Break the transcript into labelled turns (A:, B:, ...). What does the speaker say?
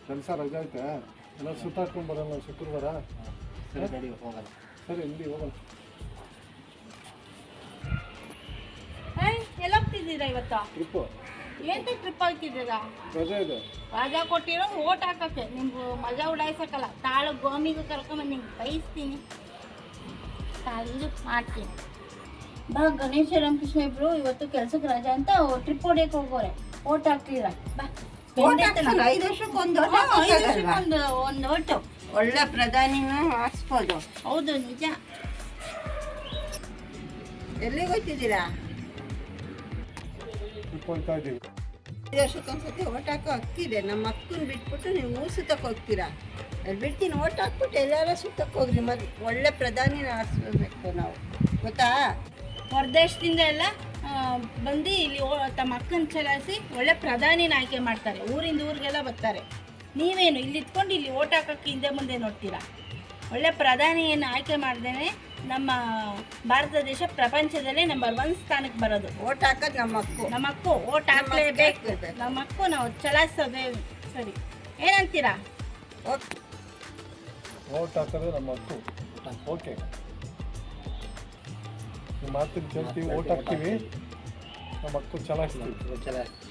A: ಕೆಲಸ ರಜೆ ಐತೆ ಎಲ್ಲ ಸುತ್ತಾಡ್ಕೊಂಡು ಬರೋಣ ಶುಕ್ರವಾರ.
B: ಸರಿ ಗಾಡಿ ಹೋಗಲ್ಲ.
A: ಸರಿ ಇಲ್ಲಿ ಹೋಗೋಣ.
C: ಎಲ್ಲ ಹೋಗ್ತಿದ್ದೀರಾ ಇವತ್ತು?
A: ಟ್ರಿಪ್ಪು
C: ಎಂತ ಟ್ರಿಪ್ ಹಾಕ್ತಿದ್ದೀರಾ?
A: ರಜೆ ಇದೆ.
C: ರಾಜಾ ಕೊಟ್ಟಿರೋ ಓಟ್ ಹಾಕಕ್ಕೆ ನಿಮ್ಗೆ ಮಜಾ ಉಡಾಯಿಸಕ್ಕಲ್ಲ. ತಾಳು ಗೋಮಿಗೂ ಕರ್ಕೊಂಬಂದು ನಿಂಗೆ ಬಯಸ್ತೀನಿ, ತಾಳು ಮಾಡ್ತೀನಿ. ಬಾ ಗಣೇಶ ರಾಮಕೃಷ್ಣ ಇಬ್ರು ಇವತ್ತು ಕೆಲ್ಸಕ್ಕೆ ರಜಾ ಅಂತ ಟ್ರಿಪ್ ಹೊಡಿಯಕ್ಕೆ ಹೋಗೋರೆ. ಓಟ್ ಹಾಕ್ತೀರಾ? ಬಾ.
D: 5 ವರ್ಷಕ್ಕೊಂದು
C: ಒಂದು ಓಟು
D: ಒಳ್ಳೆ ಪ್ರಧಾನಿನ ಹಾಕ್ಸ್ಬೋದು.
C: ಹೌದು, ನಿಜ.
D: ಎಲ್ಲಿಗೆ ಹೋಗ್ತಿದ್ದೀರಾ?
A: ಟ್ರಿಪ್ ಹೋಗ್ತಾ ಇದ್ದೀವಿ.
D: 5 ವರ್ಷಕ್ಕೊಂದ್ಸತಿ ಓಟ್ ಹಾಕೋ ಹಕ್ಕಿದೆ. ನಮ್ಮ ಅಕ್ಕನ ಬಿಟ್ಬಿಟ್ಟು ನೀವು ಸುತ್ತಕ್ಕೆ ಹೋಗ್ತೀರಾ. ಅಲ್ಲಿ ಬಿಡ್ತೀನಿ, ಓಟ್ ಹಾಕ್ಬಿಟ್ಟು ಎಲ್ಲಾರ ಸುತ್ತಕ್ಕೆ ಹೋಗ್ರಿ. ಮತ್ತೆ ಒಳ್ಳೆ ಪ್ರಧಾನಿನ ಆರಿಸ್ಬೇಕು ನಾವು, ಗೊತ್ತಾ?
C: ಹೊರದೇಶದಿಂದ ಎಲ್ಲ ಬಂದು ಇಲ್ಲಿ ತಮ್ಮ ಅಕ್ಕನ ಚಲಾಯಿಸಿ ಒಳ್ಳೆ ಪ್ರಧಾನಿನ ಆಯ್ಕೆ ಮಾಡ್ತಾರೆ. ಊರಿಂದ ಊರಿಗೆಲ್ಲ ಬರ್ತಾರೆ. ನೀವೇನು ಇಲ್ಲಿ ಇಟ್ಕೊಂಡು ಇಲ್ಲಿ ಓಟ್ ಹಾಕೋಕ್ಕೆ ಹಿಂದೆ ಮುಂದೆ ನೋಡ್ತೀರಾ? ಒಳ್ಳೆ ಪ್ರಧಾನಿಯನ್ನು ಆಯ್ಕೆ ಮಾಡ್ದೇನೆ ನಮ್ಮ ಭಾರತ ದೇಶ ಪ್ರಪಂಚದಲ್ಲೇ ನಂಬರ್ 1 ಸ್ಥಾನಕ್ಕೆ ಬರೋದು.
D: ಓಟ್ ಹಾಕೋದು ನಮ್ಮ ಅಕ್ಕು.
C: ನಮ್ಮ ಅಕ್ಕು ಓಟ್ ಹಾಕ್ಲೇಬೇಕು. ನಮ್ಮ ಅಕ್ಕು ನಾವು ಚಲಾಯಿಸೋದೇ ಸರಿ. ಏನಂತೀರಾ?
A: ಓಟ್ ಹಾಕೋದು ನಮ್ಮ ಹಕ್ಕು. ಓಕೆ, ನಿಮ್ಮ ಮಾತಿನ ಕೇಳ್ತೀವಿ, ಓಟ್ ಹಾಕ್ತೀವಿ, ನಮ್ಮ ಹಕ್ಕು ಚಲಾಯಿಸ್ತೀವಿ.